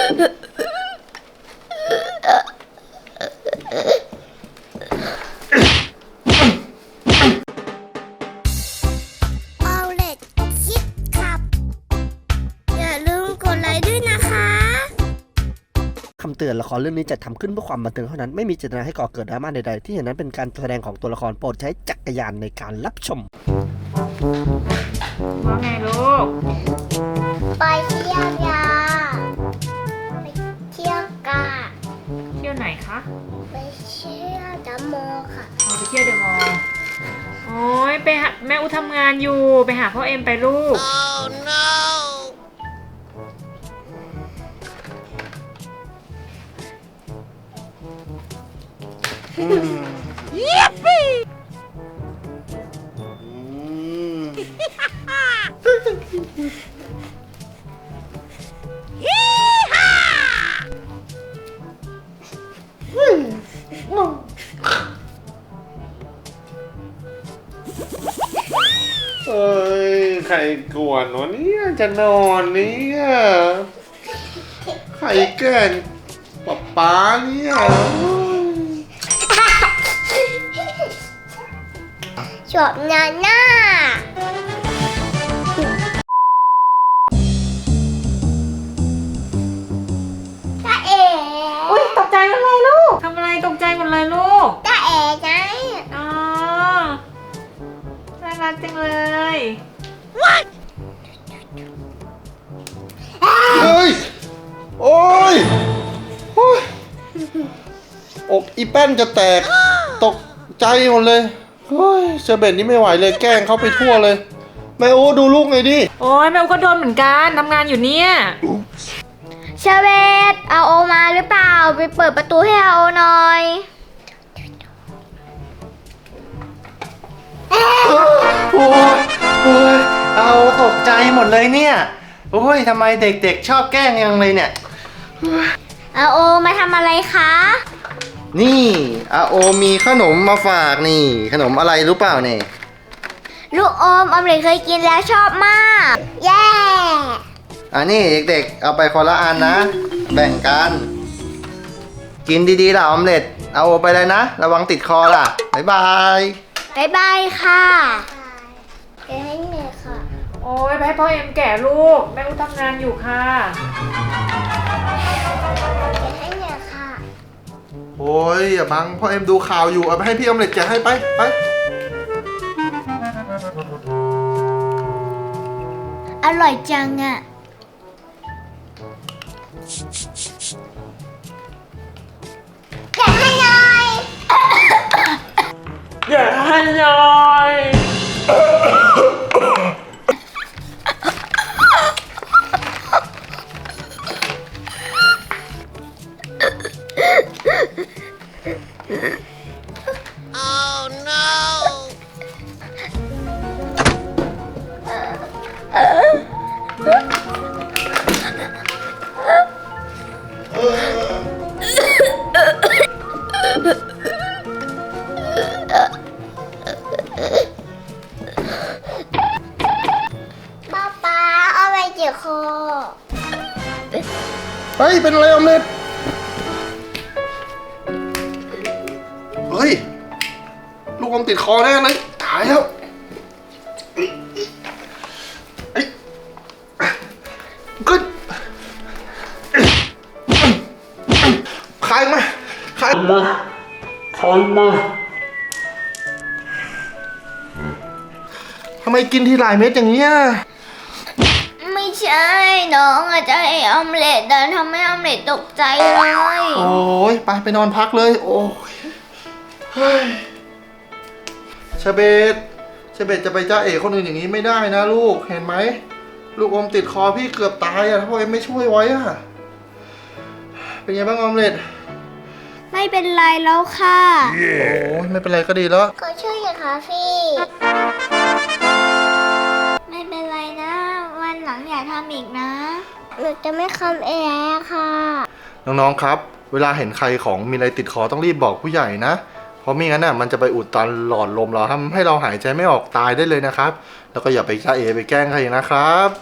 เอาเล็ดคิดขับอย่าลืมกดไลค์ด้วยนะคะคำเตือนละครเรื่องนี้จัดทำขึ้นเพื่อความบันเทิงเท่านั้นไม่มีเจตนาให้ก่อเกิดดราม่าใดๆที่เห็นนั้นเป็นการแสดงของตัวละครโปรดใช้จักรยานในการรับชมว่าไงลูกไปเที่ยวยาไปเที่ยวกาเที่ยวไหนคะไปเที่ยวดัมโมค่ะไปเที่ยวเดอะมอลล์โอ้ยไปหาแม่อุทำงานอยู่ไปหาพ่อเอ็มไปลูกยิปปี้เอ้ยใครกวนวะเนี่ยจะนอนเนี่ยใครแกล้งป๊าเนี่ยชอบนาน่าตาเอ๋อุ้ยตกใจหมดเลยลูกทำอะไรตกใจหมดเลยลูกตาเอ๋ไงอ๋อน่ารักจังเลยเฮ้ยโอ้ยอกอีแป้นจะแตกตกใจหมดเลยเฮ้ยเชอเบตนี่ไม่ไหวเลยแกล้งเขาไปทั่วเลยแม่โอ้ดูลูกหน่อยดิโอ้ยแม่อุก็โดนเหมือนกันทำงานอยู่เนี่ยเชเวตเอาโอมาหรือเปล่าไปเปิดประตูให้เอาโอหน่อยโอ้ยเอาตกใจหมดเลยเนี่ยโอ้ยทำไมเด็กๆชอบแกล้งยังเลยเนี่ยเอาโอมาทำอะไรคะนี่อาโอมีขนมมาฝากนี่ขนมอะไรรู้เปล่าเนี่ยลูกอมอมเลยเคยกินแล้วชอบมากแย่นี่เด็กๆเอาไปคนละอันนะแบ่งกันกินดีๆล่ะออมเล็ตเอาไปเลยนะระวังติดคอล่ะบ๊ายบายบ๊ายบายค่ะแกให้แม่ค่ะโอ้ยไปให้พ่อเอ็มแก่ลูกแม่อุทำงานอยู่ค่ะแกให้แม่ค่ะโอ้ยอย่าบังพ่อเอ็มดูข่าวอยู่เอาไปให้พี่ออมเล็ตแกะให้ไปอร่อยจังอ่ะแกะให้หน่อยอย่าให้ยายป๊าเอาไปเจียวคอเฮ้ยเป็นอะไรออมเล็ตเฮ้ยลูกอมติดคอแน่เลยตายแล้วกึดใครมาทำไมกินทีหลายเม็ดอย่างเงี้ยไม่ใช่น้องอาจจะให้ออมเล็ตแต่ทำให้ออมเล็ตตกใจเลยโอ้ยไปนอนพักเลยโอ้ยเฮ้ยเชเบตจะไปจ้าเอ๋คนอื่นอย่างนี้ไม่ได้นะลูกเห็นไหมลูกอมติดคอพี่เกือบตายอะถ้าพ่อเอ็มไม่ช่วยไว้อะเป็นไงบ้างออมเล็ตไม่เป็นไรแล้วค่ะโอ้ยไม่เป็นไรก็ดีแล้วก็ช่วยอย่าค่ะพี่ไม่เป็นไรนะวันหลังอย่าทำอีกนะหนูจะไม่ทำเองค่ะน้องๆครับเวลาเห็นใครของมีอะไรติดคอต้องรีบบอกผู้ใหญ่นะเพราะไม่งั้นน่ะมันจะไปอุดตันหลอดลมเราทำให้เราหายใจไม่ออกตายได้เลยนะครับแล้วก็อย่าไปจ้าเอไปแกล้งใครนะครับ